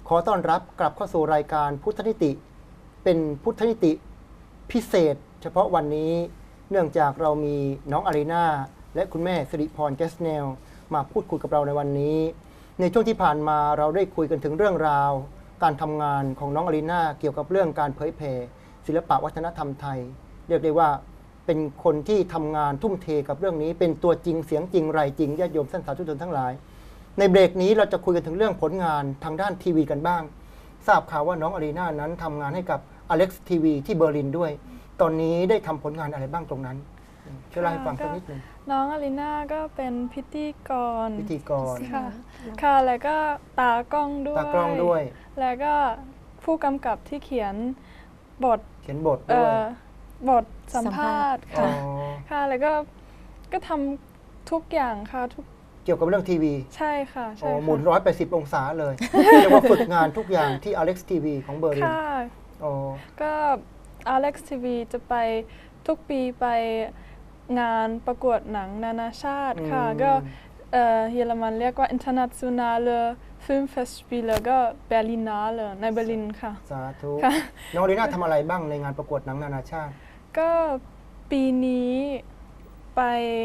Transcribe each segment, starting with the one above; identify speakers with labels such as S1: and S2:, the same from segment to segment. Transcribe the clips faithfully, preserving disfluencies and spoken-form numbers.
S1: ขอต้อนรับกลับเข้าสู่รายการพุทธนิติเป็นพุทธนิติพิเศษเฉพาะวันนี้เนื่องจากเรามีน้องอารีนาและคุณแม่สิริพรแกสเนลมาพูดคุยกับเราในวันนี้ในช่วงที่ผ่านมาเราได้คุยกันถึงเรื่องราวการทำงานของน้องอารีนาเกี่ยวกับเรื่องการเผยแผ่ศิลปะวัฒนธรรมไทยเรียกได้ว่าเป็นคนที่ทำงานทุ่มเทกับเรื่องนี้เป็นตัวจริงเสียงจริงไรจริงญาติโยมท่านสาธุชนทั้งหลายในเบรกนี้เราจะคุยกันถึงเรื่องผลงานทางด้านทีวีกันบ้างทราบข่าวว่าน้องอารีนานั้นทำงานให้กับ Alex ที วี ที่เบอร์ลินด้วยตอนนี้ได้ทำผลงานอะไรบ้างตรงนั้นช่วยเล่าให้ฟังสักนิดนึง
S2: น้องอารีนาก็เป็นพิธีกร
S1: พิธีกร
S2: ค่ะค่ะแล้วก็ตากล้องด้วย
S1: ตากล้องด้วย
S2: แล้วก็ผู้กำกับที่เขียนบท
S1: เขียนบทด้วย
S2: บทสัมภาษณ์ค่ะค่ะแล้วก็ก็ทำทุกอย่างค่ะทุก
S1: เกี่ยวกับเรื่องทีวี
S2: ใช่ค่ะใช่
S1: หมุนร้อยแปดสิบองศาเลยเรียกว่าฝึกงานทุกอย่างที่ Alex ที วี ของเบอร์ลิน
S2: ค่ะก็ Alex ที วี จะไปทุกปีไปงานประกวดหนังนานาชาติค่ะก็เยอรมันเรียกว่า Internationale Filmfestspiele ก็ Berlinale ในเบอร์ลินค่ะ
S1: สาธุน้องอารีนาทำอะไรบ้างในงานประกวดหนังนานาชาติ
S2: ก็ปีนี้ไป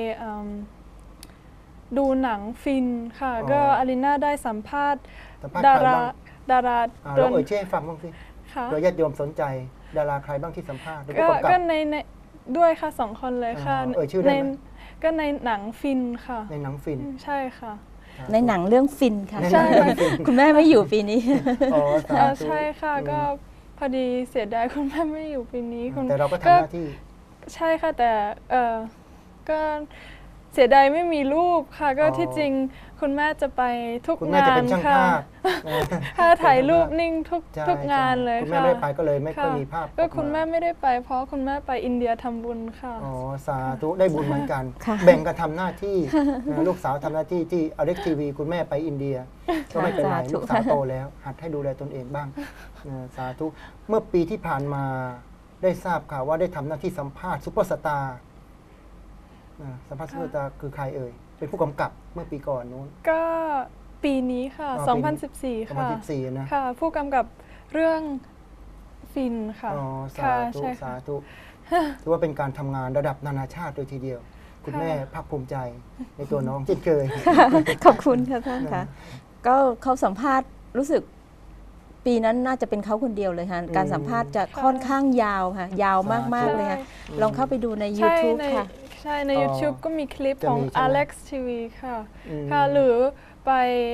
S2: ดูหนังฟินค่ะก็อารีนาได้สัมภาษณ์ดาราดารา
S1: เราเอ่ยชื่อให้ฟังบ้างสิโดยญาติโยมสนใจดาราใครบ้างที่สัมภาษณ์
S2: ก็ในด้วยค่ะสองคนเลยค่ะ
S1: เอ่ยชื่อได้ไหม
S2: ก็ในหนังฟินค่ะ
S1: ในหนังฟิน
S2: ใช่ค่ะ
S3: ในหนังเรื่องฟินค่ะใช่คุณแม่ไม่อยู่ปีนี้
S2: อ๋อใช่ค่ะก็พอดีเสียดายคุณแม่ไม่อยู่ปีนี้
S1: แต่เราก็ทำหน้าที่
S2: ใช่ค่ะแต่เออก็เสียดายไม่มีรูปค่ะก็ที่จริงคุณแม่จะไปทุกงานค่ะถ้าถ่ายรูปนิ่งทุกทุกงานเลยค่ะ
S1: คุณแม่ไม่ได้ไปก็เลยไม่ค่อยมีภาพ
S2: ก็คุณแม่ไม่ได้ไปเพราะคุณแม่ไปอินเดียทำบุญค่ะ
S1: อ๋อสาธุได้บุญเหมือนกันแบ่งกันทำหน้าที่ลูกสาวทำหน้าที่ที่ Alex ที วี คุณแม่ไปอินเดียก็ไม่เป็นไรลูกสาวโตแล้วหัดให้ดูแลตนเองบ้างสาธุเมื่อปีที่ผ่านมาได้ทราบข่าวว่าได้ทำหน้าที่สัมภาษณ์ซุปเปอร์สตาร์สัมภาษณ์ซุปเปอร์สตาร์คือใครเอ่ยเป็นผู้กำกับเมื่อปีก่อนนู้น
S2: ก็ปีนี้ค่ะสองพันสิบสี่ค่ะ
S1: สองพันสิบสี่นะ
S2: ค่ะผู้กำกับเรื่องฟินค่ะ
S1: อ๋อสาธุสาธุถือว่าเป็นการทำงานระดับนานาชาติโดยทีเดียวคุณแม่ภาคภูมิใจในตัวน้องเช่นเคย
S3: ขอบคุณค่ะท่านค่ะก็เขาสัมภาษณ์รู้สึกปีนั้นน่าจะเป็นเขาคนเดียวเลยค่ะการสัมภาษณ์จะค่อนข้างยาวค่ะยาวมากๆเลยค่ะลองเข้าไปดูใน YouTube ค่ะ
S2: ใช่ใน YouTube ก็มีคลิปของ Alex ที วี ค่ะค่ะหรือไป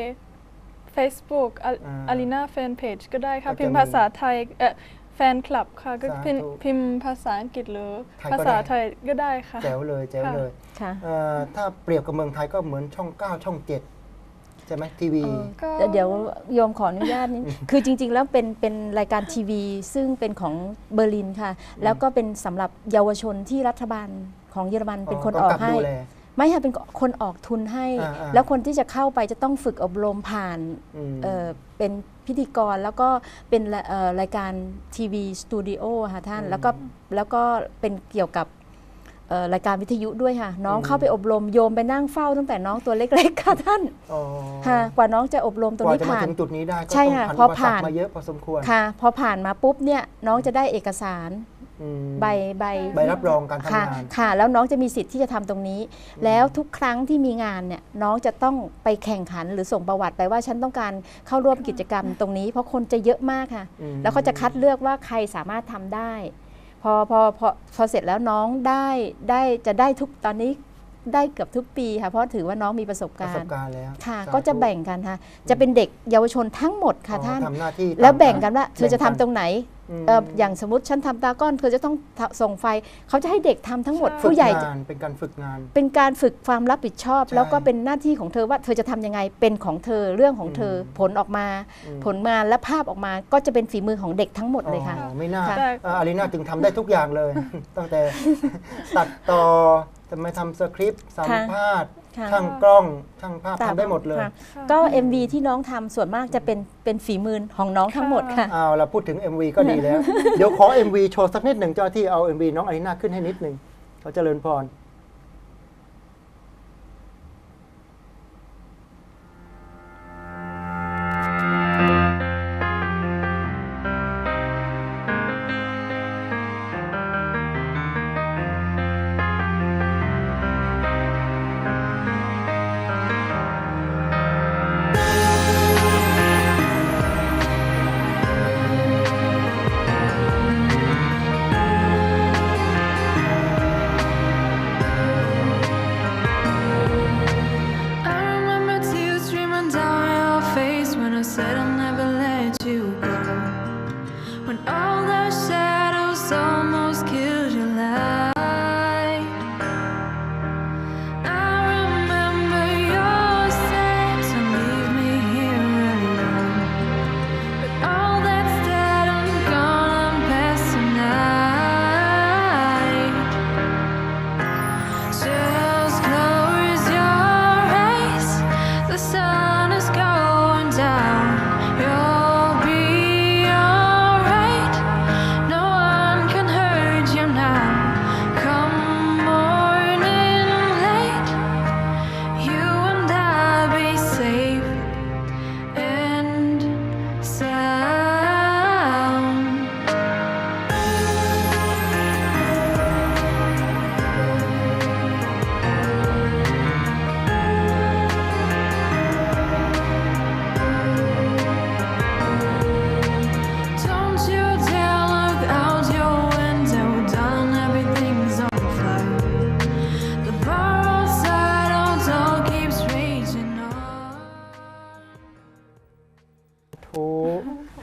S2: Facebook Arena Fan Page ก็ได้ค่ะพิมพ์ภาษาไทยแฟนคลับค่ะก็พิมพ์ภาษาอังกฤษหรือภาษาไทยก็ได้ค่ะ
S1: แจ๋วเลยแจ๋วเลยถ้าเปรียบกับเมืองไทยก็เหมือนช่องเก้าช่องเจ็ดใช่ไหมทีวี
S3: เดี๋ยวโยมขออนุญาตนี้คือจริงๆแล้วเป็นเป็นรายการทีวีซึ่งเป็นของเบอร์ลินค่ะแล้วก็เป็นสำหรับเยาวชนที่รัฐบาลของเยอรมันเป็นคนออกให้ไม่ค่ะเป็นคนออกทุนให้แล้วคนที่จะเข้าไปจะต้องฝึกอบรมผ่านเป็นพิธีกรแล้วก็เป็นรายการทีวีสตูดิโอค่ะท่านแล้วก็แล้วก็เป็นเกี่ยวกับรายการวิทยุด้วยค่ะน้องเข้าไปอบรมโยมไปนั่งเฝ้าตั้งแต่น้องตัวเล็กๆค่ะท่านค่ะกว่าน้องจะอบรมตรงนี้ผ่าน
S1: จุดนี้ได้
S3: ใช่ค่ะพอผ่าน
S1: มาเยอะพอสมควร
S3: ค่ะพอผ่านมาปุ๊บเนี่ยน้องจะได้เอกสารใบใบ
S1: ใบรับรองการทำงาน
S3: ค่ะแล้วน้องจะมีสิทธิ์ที่จะทำตรงนี้แล้วทุกครั้งที่มีงานเนี่ยน้องจะต้องไปแข่งขันหรือส่งประวัติไปว่าฉันต้องการเข้าร่วมกิจกรรมตรงนี้เพราะคนจะเยอะมากค่ะแล้วเขาจะคัดเลือกว่าใครสามารถทำได้พอพอพอพอเสร็จแล้วน้องได้ได้จะได้ทุกตอนนี้ได้เกือบทุกปีค่ะเพราะถือว่าน้องมีประสบการณ์
S1: ประสบการณ์แล้ว
S3: ค่ะก็จะแบ่งกันค่ะจะเป็นเด็กเยาวชนทั้งหมดค่ะท่านแล้วแบ่งกันว่าเธอจะทำตรงไหนอย่างสมมติฉันทำตาก้อนเธอจะต้องส่งไฟเขาจะให้เด็กทำทั้งหมดผู้ใหญ่
S1: เป็นการฝึกงาน
S3: เป็นการฝึกความรับผิดชอบแล้วก็เป็นหน้าที่ของเธอว่าเธอจะทำยังไงเป็นของเธอเรื่องของเธอผลออกมาผลงานและภาพออกมาก็จะเป็นฝีมือของเด็กทั้งหมดเลยค่ะ
S1: ไม่น่าอารีนาจึงทำได้ทุกอย่างเลยตั้งแต่ตัดต่อทำไมทำสคริปต์สัมภาษณ์ช่างกล้องช่างภาพทำได้หมดเลย
S3: ก็ เอ็ม วี ที่น้องทำส่วนมากจะเป็นเป็นฝีมือของน้องทั้งหมดค่ะ
S1: เอาเราพูดถึง เอ็ม วี ก็ดีแล้วเดี๋ยวขอ เอ็ม วี โชว์สักนิดหนึ่งเจ้าที่เอา เอ็ม วี น้องอารีนาขึ้นให้นิดหนึ่งเขาเจริญพร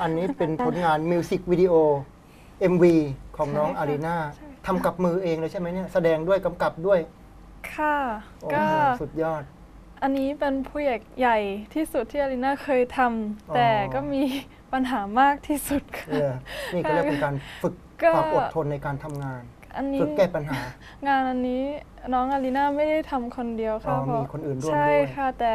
S1: อันนี้เป็นผลงานมิวสิกวิดีโอ เอ็ม วี ของน้องอารีนาทำกับมือเองเลยใช่ไหมเนี่ยแสดงด้วยกำกับด้วย
S2: ค่ะ
S1: โอ้
S2: ก็
S1: โหสุดยอด
S2: อันนี้เป็นโปรเจกต์ใหญ่ที่สุดที่อารีนาเคยท
S1: อ๋อ
S2: ำแต่ก็มีปัญหามากที่สุดค่ะ
S1: เออนี่ก็เรียกเป็นการฝึก
S2: ก็
S1: ความอดทนในการทำงาน
S2: อันนี้
S1: ฝึกแก้ปัญหา
S2: งานอันนี้น้องอารีนาไม่ได้ทำคนเดียว
S1: อ๋
S2: ค่ะ
S1: อ
S2: เพราะ
S1: มีคนอื่นร่วม
S2: ใช่
S1: ด้วย
S2: ค่ะแต่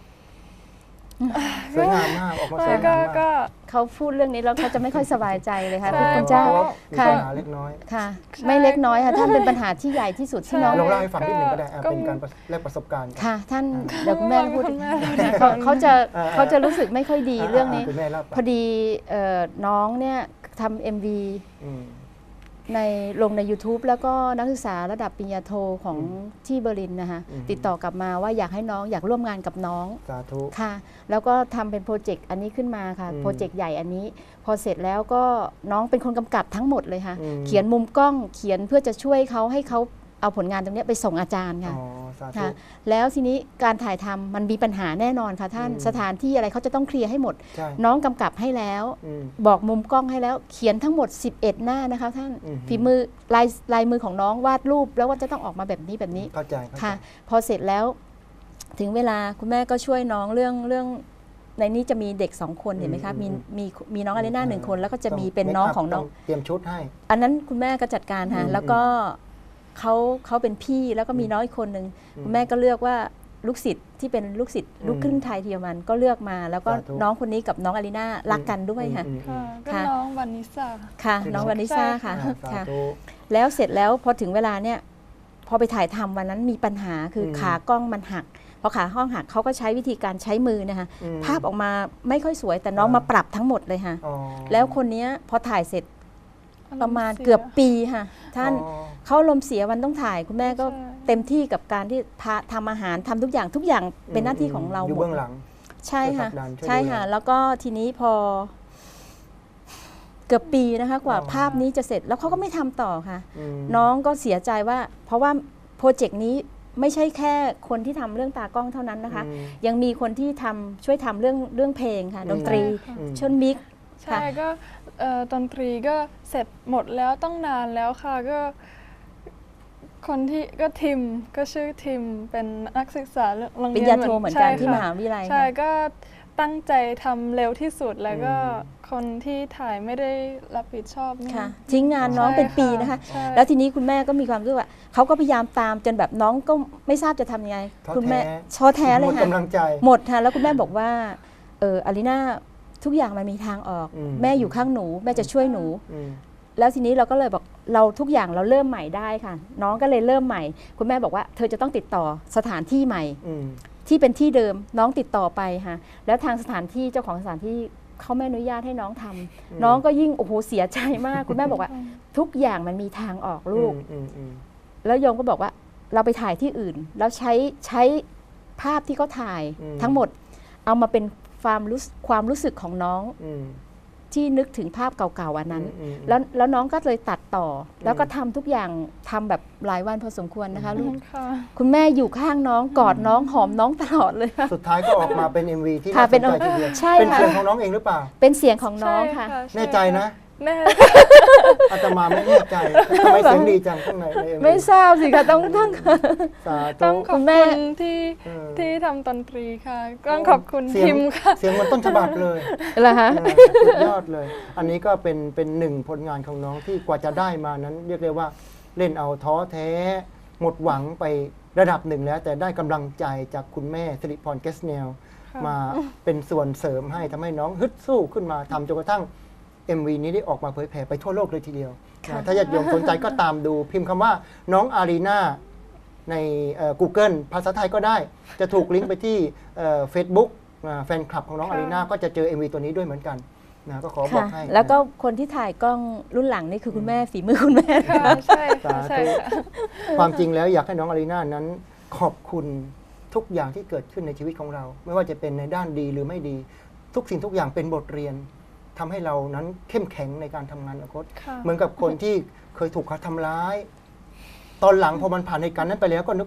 S1: สวยงามมากออกมาส
S2: ไม่
S1: วยงา
S2: ก็
S1: มมาก
S2: ก็
S3: เขาพูดเรื่องนี้แล้วเขาจะไม่ค่อยสบายใจเลยค่ะ
S2: ใช่
S3: พี่คุณเจ้า
S1: เพราะว่ามี
S3: ค่ะ
S1: ปัญหาเล็กน้อย
S3: ค่ะ
S2: ใช่
S3: ไม่เล็กน้อยค่ะท่านเป็นปัญหาที่ใหญ่ที่สุดที่น้อง
S2: ใช่
S1: ลองเล่าให้ฟังนิดหนึ่งก็ได้อ่ะ
S2: ก็
S1: เป็นการแลกประสบการณ์กัน
S3: ค่ะ ท่านเดี๋ยวคุณแม่พูด
S2: คุณแม่
S3: เขาเขาจะ
S1: อ่า
S3: เขาจะรู้สึกไม่ค่อยดีเรื่องนี้
S1: คุณแม่เล่าไป
S3: พอดีเอ่อน้องเนี่ยทำเอ็มวี
S1: อืม
S3: ในลงใน YouTube แล้วก็นักศึกษาระดับปริญญาโทของ
S1: อืม
S3: ที่เบอร์ลินนะคะ
S1: อืม
S3: ติดต่อกลับมาว่าอยากให้น้องอยากร่วมงานกับน้อง
S1: สาธุ
S3: ค่ะ แล้วก็ทำเป็นโปรเจกต์อันนี้ขึ้นมาค่ะ
S1: อืม
S3: โปรเจกต์ใหญ่อันนี้ พอเสร็จแล้วก็น้องเป็นคนกำกับทั้งหมดเลยค่ะ
S1: อืม
S3: เขียนมุมกล้องเขียนเพื่อจะช่วยเขาให้เขาเอาผลงานตรงเนี้ยไปส่งอาจารย์ค่ะ
S1: อ๋อสาธุ
S3: ค่ะแล้วทีนี้การถ่ายทำมันมีปัญหาแน่นอนค่ะท่าน
S1: อืม
S3: สถานที่อะไรเขาจะต้องเคลียร์ให้หมด
S1: ใช่
S3: น้องกำกับให้แล้ว
S1: อืม
S3: บอกมุมกล้องให้แล้วเขียนทั้งหมดสิบเอ็ดหน้านะคะท่าน
S1: อืม
S3: ฝีมือลายลายมือของน้องวาดรูปแล้วว่าจะต้องออกมาแบบนี้แบบนี้
S1: เข้าใจเข้าใจ
S3: ค่ะ พอเสร็จแล้วถึงเวลาคุณแม่ก็ช่วยน้องเรื่องเรื่องในนี้จะมีเด็กสองคนเห็นไหมคะมีมีมีน้องอารีนาหนึ่งคน แล้วก็จะมีเป็นน้องของน้อง
S1: เตรียมชุดให้
S3: อันนั้นคุณแม่ก็จัดการค่ะ
S1: อืม
S3: แล้วก็เขาเขาเป็นพี่แล้วก็มีน้องอีกคนหนึ่ง
S1: อืม
S3: คุณแม่ก็เลือกว่าลูกศิษย์ที่เป็นลูกศิษย์
S1: อืม
S3: ลูกครึ่งไทยเยอรมันก็เลือกมา แล้วก็
S1: สาธุ
S3: น้องคนนี้กับน้องอารีนารักกันด้วยค่ะ
S1: อืมอืม
S2: ค่ะ
S1: อืม
S2: ก็น้องวานิสา
S3: ค่ะ
S1: คือ
S3: น้อง
S1: น้อง
S3: วานิซ่า
S2: ใช่
S3: ค่ะ
S1: อ่าสา
S3: ค่ะ
S1: ธุ
S3: แล้วเสร็จแล้วพอถึงเวลาเนี่ยพอไปถ่ายทำวันนั้นมีปัญหาคืออ
S1: ม
S3: ขากล้องมันหักพอขาห้องหักเขาก็ใช้วิธีการใช้มือนะคะ
S1: อืม
S3: ภาพออกมาไม่ค่อยสวยแต่น้อง
S1: อ่าม
S3: มาปรับทั้งหมดเลยค่ะ
S1: อ๋อ
S3: แล้วคนเนี้ยพอถ่ายเสร็จประมาณเกือบปีค่ะท่าน
S1: อ๋อ
S3: เขาลมณ์เสียวันต้องถ่ายคุณแม่ก็
S2: ใช่
S3: เต็มที่กับการที่ทาทำอาหารทำทุกอย่างทุกอย่างเป็นหน้าที่ของเรา
S1: อยู่
S3: หมด
S1: เบื้องหลัง
S3: ใช่ค่ะ
S1: ช่วยผลักดันช่วย
S3: ใช่
S1: ดูแล
S3: ค่ะ แล้วก็ทีนี้พอ เกือบปีนะคะ กว่า
S1: อ๋อ
S3: ภาพนี้จะเสร็จแล้วเขาก็ไม่ทำต่อค่ะ
S1: อืม
S3: น้องก็เสียใจว่า เพราะว่าโปรเจกต์นี้ไม่ใช่แค่คนที่ทำเรื่องตากล้องเท่านั้นนะคะ
S1: อืม
S3: ยังมีคนที่ทำช่วยทำเรื่องเรื่องเพลงค่ะ
S1: อืม
S3: ดนตรี
S2: ใช่ค่ะ
S1: อืม
S3: ชนมิก
S2: ใช่ก็เอ่อดนตรีก็เสร็จหมดแล้วต้องนานแล้วค่ะก็ คนที่ก็ทิมก็ชื่อทิมเป็นนักศึกษาโรง
S3: ปริ
S2: เรี
S3: ญ
S2: ยน
S3: ญาโทเหมือนกัน
S2: ใช่
S3: ที่
S2: ค่ะ
S3: มหาวิทยาลัย
S2: ใช่
S3: ค่ะ
S2: ก็ตั้งใจทำเร็วที่สุดแล้วก็
S1: อืม
S2: คนที่ถ่ายไม่ได้รับผิดชอบนี่
S3: ค่ะ ทิ้งงานน้อง
S2: ใช่
S3: เป็นปีนะคะ
S2: ใช่
S3: แล้วทีนี้คุณแม่ก็มีความรู้สึกว่าเขาก็พยายามตามจนแบบน้องก็ไม่ทราบจะทำยังไง
S1: ท้อ
S3: คุณแม่
S1: แท้
S3: ท้อแท้เล
S1: หม
S3: ย
S1: ด
S3: ค่ะ
S1: กำลังใจ
S3: หมดค่ะแล้วคุณแม่บอกว่าเอออารีนาทุกอย่างมันมีทางออก
S1: อืม
S3: แม่อยู่ข้างหนู แม่จะช่วยหนู
S1: อืม
S3: แล้วทีนี้เราก็เลยบอกเราทุกอย่างเราเริ่มใหม่ได้ค่ะ น้องก็เลยเริ่มใหม่ คุณแม่บอกว่าเธอจะต้องติดต่อสถานที่ใหม่
S1: อืม
S3: ที่เป็นที่เดิมน้องติดต่อไปค่ะแล้วทางสถานที่เจ้าของสถานที่เขาไม่อนุญาตให้น้องทำ
S1: อืม
S3: น้องก็ยิ่งโอ้โหเสียใจมาก คุณแม่บอกว่า ทุกอย่างมันมีทางออกลูก
S1: อืมอืม
S3: แล้วโยมก็บอกว่าเราไปถ่ายที่อื่น แล้วใช้ใช้ภาพที่เขาถ่าย
S1: อืม
S3: ทั้งหมดเอามาเป็นความรู้ความรู้สึกของน้อง
S1: อืม
S3: ที่นึกถึงภาพเก่าๆอันนั้น
S1: อืมอืม
S3: แล้วแล้วน้องก็เลยตัดต่ออแล้วก็ทำทุกอย่างทำแบบหลายวันพอสมควรนะคะลูก
S2: ค่ะ
S3: คุณแม่อยู่ข้างน้องกอดน้องหอมน้องตลอดเลยค่ะ
S1: สุดท้ายก็ออกมาเป็น เอ็ม วี ที่
S3: ค่ะ
S1: น่าส
S3: เป็น
S1: นใจทีเดียว
S3: ใช่
S1: เป็น
S3: ค่ะ
S1: เสียงของน้องเองหรือเปล่า
S3: เป็นเสียงของน้องค่ะ
S2: ช่
S1: แน่ใจนะ
S2: แน่
S1: อาตมาไม่แน่ใจทำไมเสียงดีจังข้างในใน เอ็ม วี
S3: ไม่ทราบสิคะต้องต้อง
S1: สา
S2: ต้
S1: ธุ
S2: องขอบ
S3: คุณแม่
S2: คุณที่
S1: เออ
S2: ที่ทำดนตรีค่ะต้องขอบคุณ
S1: เสียง
S2: ทิมค่ะ
S1: เสียงเหมันต้นฉบับเลย
S3: เหรอคะ
S1: เออสุดยอดเลย อันนี้ก็เป็นเป็นหนึ่งผลงานของน้องที่กว่าจะได้มานั้น เรียกได้ว่าเล่นเอาท้อแท้ หมดหวังไประดับหนึ่งแล้ว แต่ได้กำลังใจจากคุณแม่สิริพรแกสเนล
S2: ค่ะ
S1: มาเป็นส่วนเสริมให้ทำให้น้องฮึดสู้ขึ้นมาทำจนกระทั่ง เอ็ม วี นี้ได้ออกมาเผยแผ่ไปทั่วโลกเลยทีเดียว
S3: ค่ะ
S1: นะถ้าญาติโยมสนใจก็ตามดูพิมพ์คำว่าน้องอารีนาในเอ่อ Google ภาษาไทยก็ได้ จะถูกลิงก์ไปที่เฟซบุ๊กแฟนคลับของน้องอารีนาก็จะเจอ เอ็ม วี ตัวนี้ด้วยเหมือนกันนะก็ขอบอก
S3: ค่ะ
S1: ให้
S3: แล้วก็
S1: นะ
S3: คนที่ถ่ายกล้องรุ่นหลังนี่คือคุณแม่ฝีมือคุณแม่
S2: ค่ะใช่ค่ะ
S1: สาธุ
S2: ใช่ค่ะ
S1: ความจริงแล้วอยากให้น้องอารีนานั้นขอบคุณทุกอย่างที่เกิดขึ้นในชีวิตของเรา ไม่ว่าจะเป็นในด้านดีหรือไม่ดี ทุกสิ่งทุกอย่างเป็นบทเรียนทำให้เรานั้นเข้มแข็งในการทำงานอนาคต
S2: ค่ะ
S1: เหมือนกับคนที่เคยถูกเขาทำร้าย ตอนหลังพอมันผ่านเหตุการณ์นั้นไปแล้วก็นึกว่า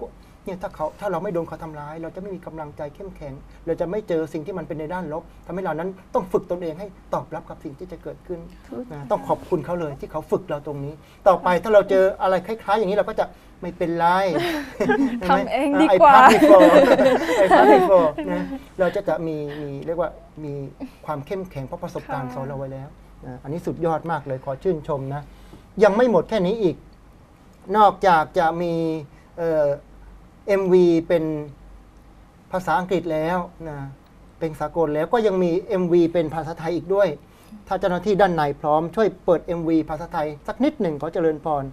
S1: เนี่ยถ้าเขาถ้าเราไม่โดนเขาทำร้าย เราจะไม่มีกำลังใจเข้มแข็ง เราจะไม่เจอสิ่งที่มันเป็นในด้านลบทำให้เรานั้นต้องฝึกตนเองให้ตอบรับกับสิ่งที่จะเกิดขึ้นนะต้องขอบคุณเขาเลยที่เขาฝึกเราตรงนี้ ต่อไปถ้าเราเจออะไรคล้ายๆ อย่างนี้เราก็จะไม่เป็นไร
S2: ทำเองดีกว่า
S1: ไอ้พาร์ทไอ้พาร์ทนะเราจะจะมีมีเรียกว่ามีความเข้มแข็งเพราะประสบการณ์สอนเราไว้แล้วนะอันนี้สุดยอดมากเลยขอชื่นชมนะยังไม่หมดแค่นี้อีก นอกจากจะมีเอ่อ เอ็ม วี เป็นภาษาอังกฤษแล้วนะเป็นสากลแล้วก็ยังมี เอ็ม วี เป็นภาษาไทยอีกด้วย ถ้าเจ้าหน้าที่ด้านในพร้อมช่วยเปิด เอ็ม วี ภาษาไทยสักนิดหนึ่งขอเจริญพร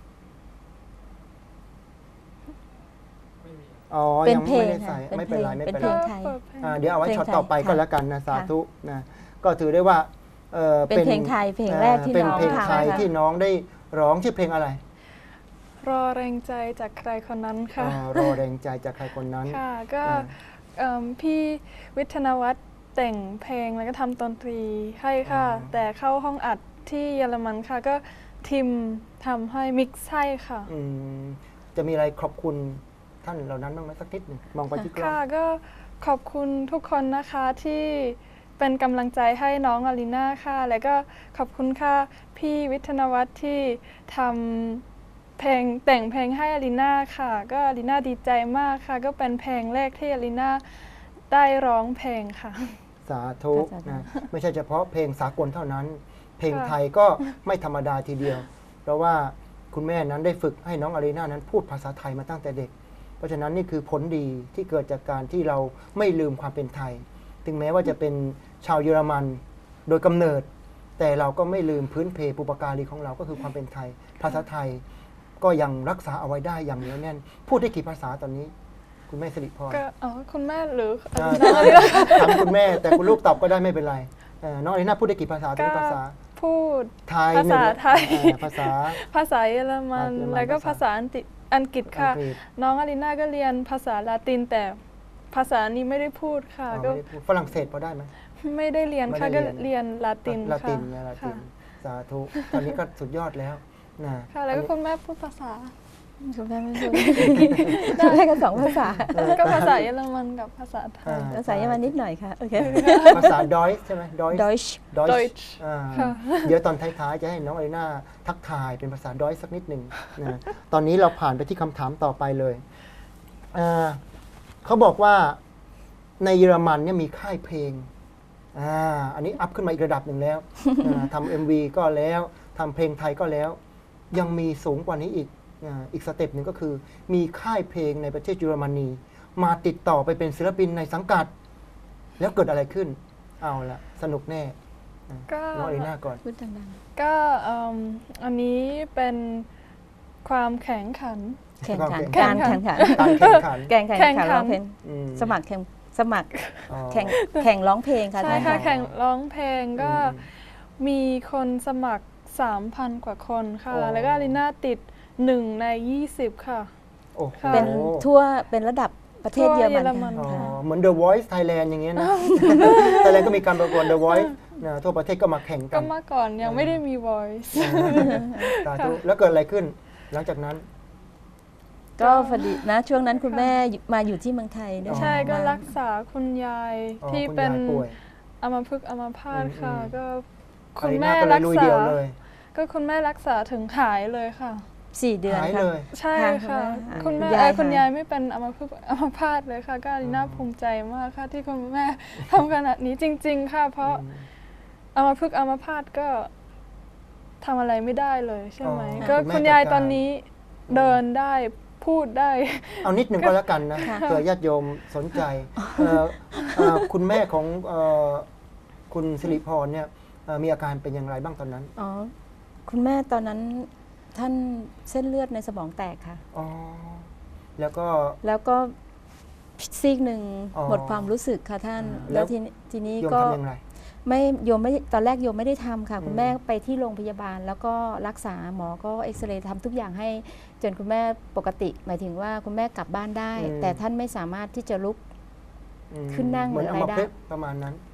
S1: อ๋อ
S3: เป็น
S1: ยัง
S3: เพล
S1: ไม่
S3: ง
S1: ได้ใส่
S3: ค่ะ
S1: ไม่เป็นไรไม่
S3: เป็น
S1: เป็น
S3: เพล
S1: ไรง
S3: ไทย
S1: อ่าเดี๋ยวเอาไว้
S3: เพลง
S1: ช็อต
S3: ไทย
S1: ต่อไปก็
S3: ค่ะ
S1: แล้วกันนะสา
S3: ค่ะ
S1: ธุนะก็ถือได้ว่าเอ่อ
S3: เป็นเพลงไทยเพลงแรกที่
S1: เป็น
S3: น้อง
S1: เพลง
S3: ทำ
S1: ไทย
S2: ค่ะ
S1: ที่น้องได้ร้องชื่อเพลงอะไร
S2: รอแรงใจจากใครคนนั้นค่ะ
S1: อ่ารอแรงใจจากใครคนนั้น
S2: ค่ะก็
S1: อ่า
S2: เอิ่มพี่วิทยาวัฒน์แต่งเพลงแล้วก็ทำดนตรีให้ค่ะ
S1: อ๋อ
S2: แต่เข้าห้องอัดที่เยอรมันค่ะ ก็ทีมทำให้มิกซ์ให้ค่ะ
S1: อืมจะมีอะไรขอบคุณท่านเหล่านั้นบ้างไหมสักนิดหนึ่งมองไปที่กล้อง
S2: ค่ะก็ขอบคุณทุกคนนะคะที่เป็นกำลังใจให้น้องอารีนาค่ะ แล้วก็ขอบคุณค่ะพี่วิทยาวัฒน์ที่ทำเพลงแต่งเพลงให้อารีนาค่ะ ก็อารีนาดีใจมากค่ะ ก็เป็นเพลงแรกที่อารีนาได้ร้องเพลงค่ะ
S1: สาธุ
S3: สาธุ
S1: นะไม่ใช่เฉพาะเพลงสากลเท่านั้น เพลง
S2: ค่ะ
S1: ไทยก็ไม่ธรรมดาทีเดียว เพราะว่าคุณแม่นั้นได้ฝึกให้น้องอารีนานั้นพูดภาษาไทยมาตั้งแต่เด็ก เพราะฉะนั้นนี่คือผลดีที่เกิดจากการที่เราไม่ลืมความเป็นไทย ถึงแม้ว่าจะเป็นชาวเยอรมันโดยกำเนิด แต่เราก็ไม่ลืมพื้นเพปุปการีของเราก็คือความเป็นไทย ภาษาไทยก็ยังรักษาเอาไว้ได้อย่างเหนียวแน่น พูดได้กี่ภาษาตอนนี้ คุณแม่สิริพร
S2: ก็อ๋อคุณแม่หรือ
S1: อ่า
S2: น้องอารีนา
S1: ถามคุณแม่แต่คุณลูกตอบก็ได้ไม่เป็นไรเอ่อน้องอารีนาพูดได้กี่ภาษาตอนนี้ภาษา
S2: พูด
S1: ไทย
S2: ภาษา
S1: หนึ่ง
S2: ไทย
S1: อ่าภาษา
S2: ภาษาเยอรมัน
S1: เยอรมัน
S2: แล้วก็
S1: ภา
S2: ภา
S1: ษา
S2: ษาอังกฤษอังกฤษค่ะ
S1: อังกฤษ
S2: น้องอารีนาก็เรียนภาษาลาตินแต่ภาษานี้ไม่ได้พูดค่ะ
S1: อ๋อ
S2: ก็
S1: ไม่ได้พูดฝรั่งเศสพอได้ไหม
S2: ไม่ได้เรียนค่ะ
S1: ไม่ได้
S2: ก็
S1: เรียน
S2: เรียนลาติน
S1: ลาติน
S2: ค่ะ
S1: ไงลาติ
S2: ค่ะ
S1: นสาธุตอนนี้ก็สุดยอดแล้วนะ
S2: ค่ะ แล้วก็
S1: อันนี้
S2: คุณแม่พูดภาษา
S3: คุณแม่ไม่พูด ได้กันสองภาษา
S2: ก็ภาษาเยอรมันกับภาษาไทย
S1: อ่า
S3: ภาษาเยอรมันนิดหน่อยค่ะโอเค
S1: ภาษาดอยใช่ไหมดอย
S3: Deutsch
S1: ดอย
S2: Deutsch ค่ะ
S1: เดี๋ยวตอนท้ายๆ จะให้น้องอารีนาทักทายเป็นภาษาดอยสักนิดหนึ่งนะตอนนี้เราผ่านไปที่คำถามต่อไปเลยอ่าเขาบอกว่าในเยอรมันเนี่ยมีค่ายเพลงอ่าอันนี้อัพขึ้นมาอีกระดับหนึ่งแล้วอ่าทำเอ็มวีก็แล้วทำเพลงไทยก็แล้ว ยังมีสูงกว่านี้อีกอ่าอีกสเต็ปหนึ่งก็คือ มีค่ายเพลงในประเทศเยอรมนีมาติดต่อไปเป็นศิลปินในสังกัด แล้วเกิดอะไรขึ้น เอาละสนุกแน่
S2: ก็
S1: น้องอารีนาก่อน
S3: พูดดัง
S2: ก็เอิ่มอันนี้เป็นความแข่งขัน
S3: ๆแข่งขัน
S1: แข่
S3: กาง ร
S1: ขัน
S3: แข่งขัน
S1: การแข่งขัน
S3: แข่งขัน
S2: แข่งขัน
S3: ร้องเพลง
S1: อืม
S3: สมัครแข่งสมัคร
S1: อ๋อ
S3: แข่งแข่งร้องเพลงค่ะ
S2: ใช่
S3: ท่าน
S2: ค่ะ
S3: ค่ะ
S2: แข่งร้องเพลงก็
S1: อืม
S2: มีคนสมัคร สามพัน กว่าคนค่ะ
S1: โอ้
S2: แล้วก็อารีนาติดหนึ่งในยี่สิบค่ะ
S1: โอ้โห
S2: ค่ะ
S3: เป็นทั่วเป็นระดับประเทศเยอร
S2: ทั่วเยอรมั
S3: มัน
S2: น
S1: อ๋อ
S3: ค่ะ
S1: เหมือน The Voice Thailand อย่างเงี้ยนะ Thailand ก็มีการประกวด The Voice นะทั่วประเทศก็มาแข่งกั
S2: ก็
S1: น
S2: เมื่อก่อนยังไม่ได้มี voice
S1: สาธุแล้วเกิดอะไรขึ้น หลังจากนั้น
S3: ก็พอดีนะช่วงนั้นคุณแม่มาอยู่ที่เมืองไทยด้วย
S2: ใช่ก็
S3: มา
S2: รักษาคุณยาย
S1: อ๋อ
S2: ที่
S1: คุณ
S2: เป็น
S1: ยายป่วย
S2: อัมพฤกษ์อัมพาตค่ะ
S1: อืม
S2: ก็
S1: อา
S2: คุณ
S1: รีนา
S2: แม่
S1: ก็เล
S2: รั
S1: ย
S2: ก
S1: ลุย
S2: ษา
S1: เดียวเลย
S2: ก็คุณแม่รักษาถึงหายเลยค่ะ
S3: สี่เดือน
S1: หาย
S3: ค่ะ
S1: เลย
S2: ใช่
S3: ค่ะ
S2: ค่ะ
S3: คุ
S2: คุณ
S3: ณ
S2: แม่
S3: แม่
S2: เอ่อ
S3: หาย
S2: คุณยายไม่เป็นอัมพฤกษ์อัมพาตเลยค่ะ ก็อารีนาภูมิใจมากค่ะที่คุณแม่ทำขนาดนี้จริง ๆ ค่ะ เพราะอัมพฤกษ์อัมพาตก็ทำอะไรไม่ได้เลยใช่ไหม
S1: อ๋อ
S2: ก็
S1: คุณแม่
S2: คุณยาย
S1: จัดการ
S2: ตอนนี้เดินได้พูดได้
S1: เอานิดหนึ่งก็แล้วกันนะ
S3: ค่ะ
S1: เผื่อญาติโยมสนใจเอ่อเอ่อคุณแม่ของเอ่อคุณสิริพรเนี่ยเอ่อมีอาการเป็นอย่างไรบ้างตอนนั้น
S3: อ๋อคุณแม่ตอนนั้นท่านเส้นเลือดในสมองแตกค่ะ
S1: อ๋อ แล้วก็
S3: แล้วก็ซีกหนึ่ง
S1: อ๋อ
S3: หมดความรู้สึกค่ะท่าน
S1: อ่าแล้
S3: แล้ว วทีนี้ทีนี้
S1: โยม
S3: ก็
S1: ทำอย่างไร
S3: ไม่โยมไม่ตอนแรกโยมไม่ได้ทำค่ะ คุ
S1: อื
S3: ณ
S1: ม
S3: แม่ไปที่โรงพยาบาล แล้วก็รักษาหมอก็เอ็กซเรย์ทำทุกอย่างให้จนคุณแม่ปกติ หมายถึงว่าคุณแม่กลับบ้านได้ แต่ท่านไม่สามารถที่จะลุก
S1: อืม
S3: ขึ้นนั่ง
S1: เหมือน
S3: หรือ
S1: เอา
S3: อะไร
S1: มา
S3: ได้
S1: พลึกษ์ประมาณนั้น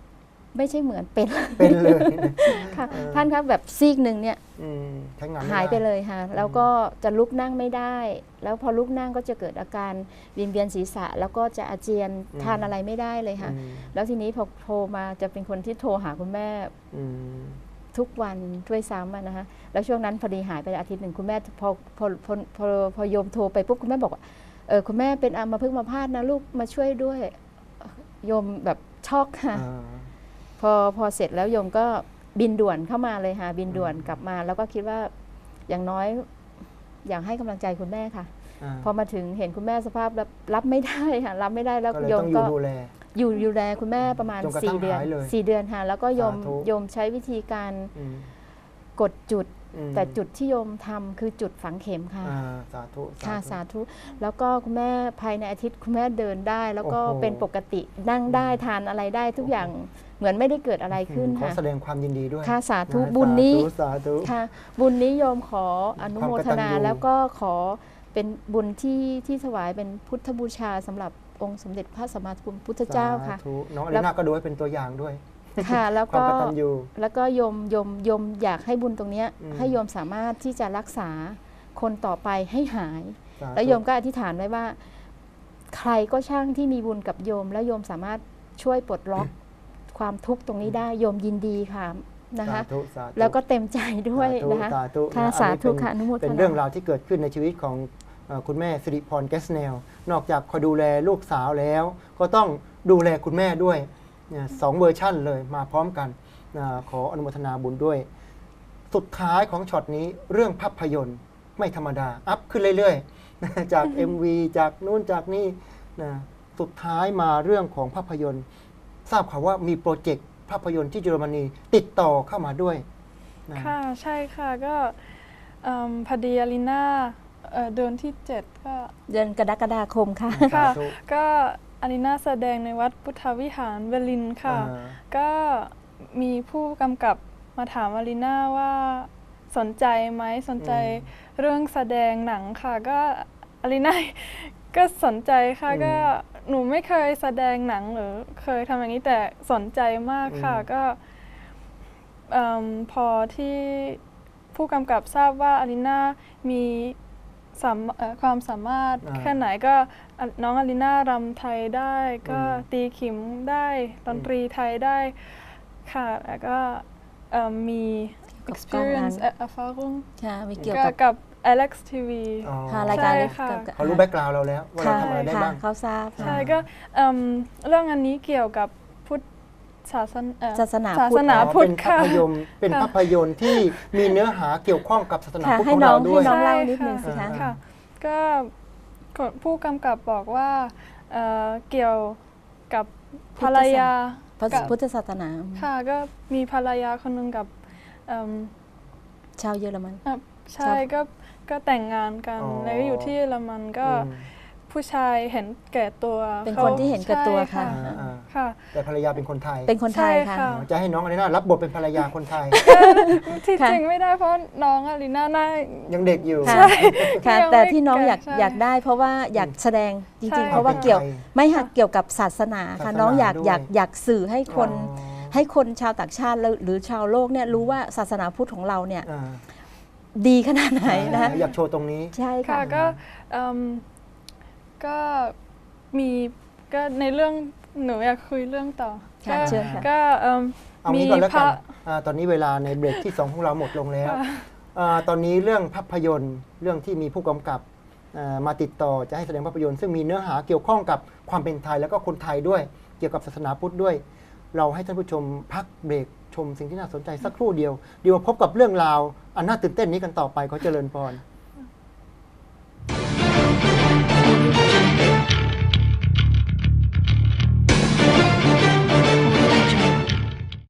S3: ไม่ใช่เหมือนเป็น
S1: เป็นเลยนะ
S3: ค่ะ
S1: เออ
S3: ท่านครับแบบซีกหนึ่งเนี่ย
S1: อืมใช้งานม่
S3: หายไป
S1: ด้
S3: เลยค่ะแล้วก็จะลุกนั่งไม่ได้ แล้วพอลุกนั่งก็จะเกิดอาการวิงเวียนศีรษะ แล้วก็จะอาเจียน
S1: อืม
S3: ทานอะไรไม่ได้เลยค่ะ
S1: อืม
S3: แล้วทีนี้พอโทรมาจะเป็นคนที่โทรหาคุณแม่
S1: อืม
S3: ทุกวันด้วยซ้ำอะนะคะแล้วช่วงนั้นพอดีหายไปอาทิตย์หนึ่งคุณแม่พอพอพอพอพอโยมโทรไปปุ๊บคุณแม่บอกว่าเออคุณแม่เป็นอัมพฤกษ์อัมพาตนะลูกมาช่วยด้วยโยมแบบช็อกค่ะ
S1: อ่า
S3: พอพอเสร็จแล้วโยมก็บินด่วนเข้ามาเลยค่ะบินด่วนกลับมา แล้วก็คิดว่าอย่างน้อยอยากให้กำลังใจคุณแม่ค่ะ
S1: า
S3: พอมาถึงเห็นคุณแม่สภาพรับรับไม่ได้ค่ะรับไม่ได้แล้ว
S1: ก็เลย
S3: โย
S1: ต้
S3: ม
S1: องอยู่
S3: ก็
S1: ดูแล
S3: อยู่ดูแลคุณแม่ประมาณ
S1: จนกระทั่ง
S3: สี่เดือน
S1: หายเลย
S3: สี่เดือนค่ะแล้วก็โยม
S1: สาธุ
S3: โยมใช้วิธีการ
S1: อืม
S3: กดจุด
S1: อืม
S3: แต่จุดที่โยมทำคือจุดฝังเข็มค่ะ
S1: อ่าสาธุ
S3: ค่ะสาธุ แล้วก็คุณแม่ภายในอาทิตย์คุณแม่เดินได้ แล้วก็
S1: โอ้โห
S3: เป็นปกตินั่งได้ทานอะไรได้ทุกอย่างเหมือนไม่ได้เกิดอะไรขึ้น
S1: ขอ
S3: ค่ะ
S1: แสดงความยินดีด้วย
S3: ค่ะสาธุ
S1: ะ
S3: บุญนี้
S1: สาธุสาธุ
S3: ค่ะบุญนี้โยมขออนุโมทนา
S1: ความกตัญญู
S3: แล้วก็ขอเป็นบุญที่ที่ถวายเป็นพุทธบูชาสำหรับองค์สมเด็จพระสัมมาสัมพุทธเจ้าค่ะ
S1: สธุน้องอ
S3: แล้
S1: ลิ
S3: ว
S1: น่าก็ดูให้เป็นตัวอย่างด้วย
S3: ค่ะแล้ว
S1: ความ
S3: ก็
S1: กตัญญู
S3: แล้วก็โยมโยมโยมอยากให้บุญตรงเนี้ย
S1: อืม
S3: ให้โยมสามารถที่จะรักษาคนต่อไปให้หาย
S1: สาธุ
S3: แล้วโยมก็อธิษฐานไว้ว่า ใครก็ช่างที่มีบุญกับโยม แล้วโยมสามารถช่วยปลดล็อกความทุกข์ตรงนี้ได้โยมยินดีค่ะนะคะ
S1: สาธุสาธุ
S3: แล้วก็เต็มใจด้วย
S1: สาธุ
S3: นะคะ
S1: สาธุ
S3: ค่ะ
S1: นะ
S3: สาธุ
S1: อันนี้เป็น
S3: ค่ะอนุโมทนา
S1: เป็นเรื่องราวที่เกิดขึ้นในชีวิตของเอ่อคุณแม่สิริพรแกสเนลนอกจากคอยดูแลลูกสาวแล้ว ก็ต้องดูแลคุณแม่ด้วยเนี่ยสองเวอร์ชั่นเลยมาพร้อมกันนะขออนุโมทนาบุญด้วย สุดท้ายของช็อตนี้เรื่องภาพยนตร์ไม่ธรรมดา อัพขึ้นเรื่อยๆ นะจาก เอ็ม วี จากนู่นจากนี่นะสุดท้ายมาเรื่องของภาพยนตร์ ทราบข่าวว่ามีโปรเจกต์ภาพยนตร์ที่เยอรมนีติดต่อเข้ามาด้วยนะ
S2: ค่ะใช่ค่ะก็เอิ่มพอดีอารีนาเอ่อเดือนที่เจ็ดก็
S3: เดือนกรกฎาคมค่ะ
S2: ค่ะ
S1: สาธุ
S2: ก็อารีนาแสดงในวัดพุทธวิหารเบอร์ลินค่ะ
S1: อ่า
S2: ก็มีผู้กำกับมาถามอารีนาว่าสนใจไหมสนใจเรื่องแสดงหนังค่ะ ก็อารีนา ก็สนใจค่ะ
S1: อืม
S2: ก็หนูไม่เคยแสดงหนังหรือเคยทำอย่างนี้แต่สนใจมากค่ะ
S1: อืม
S2: ก็เอิ่มพอที่ผู้กำกับทราบว่าอารีนามีสามเอ่อความสามารถ
S1: อ่า
S2: แค่ไหนก็อ่ะน้องอารีนารำไทยได้ ก็
S1: อืม
S2: ตีขิมได้ดนตรีไทยได้ค่ะแล้วก็เอิ่มมี
S3: กับกล้องนั้น
S2: experience เอ่อ erfahrung
S3: ค่ะมีเกี่ยว
S2: ก็
S3: กับ
S2: กับ Alex ที วี
S1: อ๋อ
S3: ค่ะรายการ
S2: ใช่
S3: เล็ก
S2: ค่ะ
S3: กับกับ
S1: เขารู้แบ็กกราวด์เราแล้ว ว่าเรา
S3: ค่ะ
S1: ทำอะไรได้
S3: ค่ะ
S1: บ้าง
S3: เขาทราบ
S2: ใช่
S3: ค่ะ
S2: ก็เอิ่มเรื่องอันนี้เกี่ยวกับพุทธศาสนาเอ่อ
S3: ศาสนา
S2: ศา
S3: พุท
S2: ส
S3: ธ
S2: นา
S1: อ๋อ
S2: พุท
S1: เป็
S2: ธ
S1: นภา
S2: ค่ะ
S1: พยนตร์เป็น
S2: ค่ะ
S1: ภาพยนตร์ที่มีเนื้อหาเกี่ยวข้องกับศาสนา
S3: ค่ะ
S1: พุทธ
S3: ให้
S1: ของ
S3: น้อ
S1: เรา
S3: ง
S1: ด้วย
S3: ให้น้อง
S2: ใช่
S3: เล่านิด
S2: ค่ะ
S3: นึงสิคะ
S2: ค่ะ ก็ผู้กำกับบอกว่าเอ่อเกี่ยวกับภรรยา
S3: พระ
S2: กับ
S3: พุทธศาสนา
S2: ค่ะก็มีภรรยาคนหนึ่งกับเอิ่ม
S3: ชาวเยอรมัน
S2: เอ่อใช่
S3: ชอบ
S2: ก็ก็แต่งงานกัน
S1: อ๋อ
S2: แล้วก็อยู่ที่เยอรมันก็
S1: อืม
S2: ผู้ชายเห็นแก่ตัว
S3: เป็น
S2: ขา
S3: คนที่เห็นแก่ตัว
S2: ใช่
S3: ค่ะ
S1: อ่าอ่า
S2: ค่ะ
S1: แต่ภรรยาเป็นคนไทย
S3: เป็นคนไทยค่ะ
S2: ใช่ค่ะ
S1: อ๋อจะให้น้องอะไรน่ารับบทเป็นภรรยาคนไทย
S2: ที่
S3: ค่ะ
S2: จริงไม่ได้เพราะน้องอารีนาน่า
S1: ยังเด็กอยู่
S3: ค่ะ
S2: ใช่
S3: ค่ะ
S2: ยังไม่
S3: แต่ที่น้องอยาก
S2: ใช่
S3: อยากได้ เพราะว่าอยากแสดงจ
S2: ใช่
S3: ริง ๆ เพราะว่าเกี่ยว
S1: เป็นไทย
S3: ไม่ค่ะเกี่ยวกับศาสนาค่ะ
S1: ศาสนา
S3: น้องอยาก
S1: ด้วย
S3: อยากอยากสื่อให้คน
S1: อ๋อ
S3: ให้คนชาวต่างชาติแล้วหรือชาวโลกเนี่ยรู้ว่าศาสนาพุทธของเราเนี่ย
S1: อ่า
S3: ดีขนาดไหนนะคะ
S1: อยากโชว์ตรงนี้
S3: ใช่
S2: ค่ะ
S3: ค่ะ
S2: ก็เอิ่มก็มีก็ในเรื่องหนูอยากคุยเรื่องต่อ
S3: ค่ะ
S2: ก็
S3: เชิญค่ะ
S2: ก็เอิ่ม
S1: เอา
S2: มี
S1: งี้ก่อนแล้ว
S2: พ
S1: กั
S2: ระ
S1: นอ่าตอนนี้เวลาในเบรกที่สองของเราหมดลงแล้ว
S2: ค่ะ
S1: อ่าตอนนี้เรื่องภาพยนตร์เรื่องที่มีผู้กำกับอ่ามาติดต่อจะให้แสดงภาพยนตร์ซึ่งมีเนื้อหาเกี่ยวข้องกับความเป็นไทยแล้วก็คนไทยด้วย เกี่ยวกับศาสนาพุทธด้วย เราให้ท่านผู้ชมพักเบรกชมสิ่งที่น่าสนใจสักครู่เดียวเดี๋ยวมาพบกับเรื่องราวอันน่าตื่นเต้นนี้กันต่อไปขอเจริญพร